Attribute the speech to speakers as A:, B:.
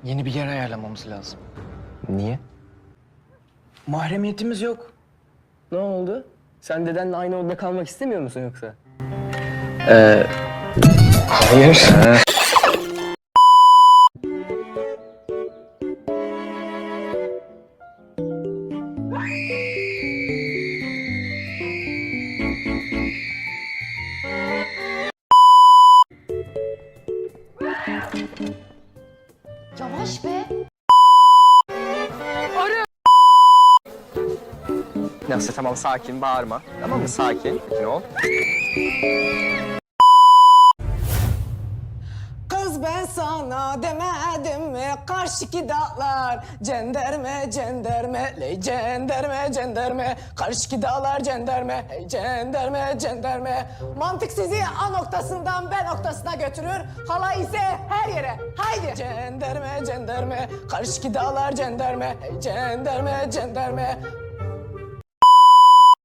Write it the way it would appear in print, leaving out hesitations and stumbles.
A: Yeni bir yer ayarlamamız lazım.
B: Niye?
A: Mahremiyetimiz yok.
B: Ne oldu? Sen dedenle aynı odada kalmak istemiyor musun yoksa?
A: Hayır.
C: Yavaş be.
B: Neyse tamam sakin bağırma. Tamam mı? Sakin ol.
D: Kız ben sana demedim mi karşıki dağlar cenderme cenderme ley cenderme cenderme karşıki dağlar cenderme hey cenderme cenderme mantık sizi A noktasından B noktasına götürür hala ise her yere haydi cenderme cenderme karşıki dağlar cenderme hey cenderme cenderme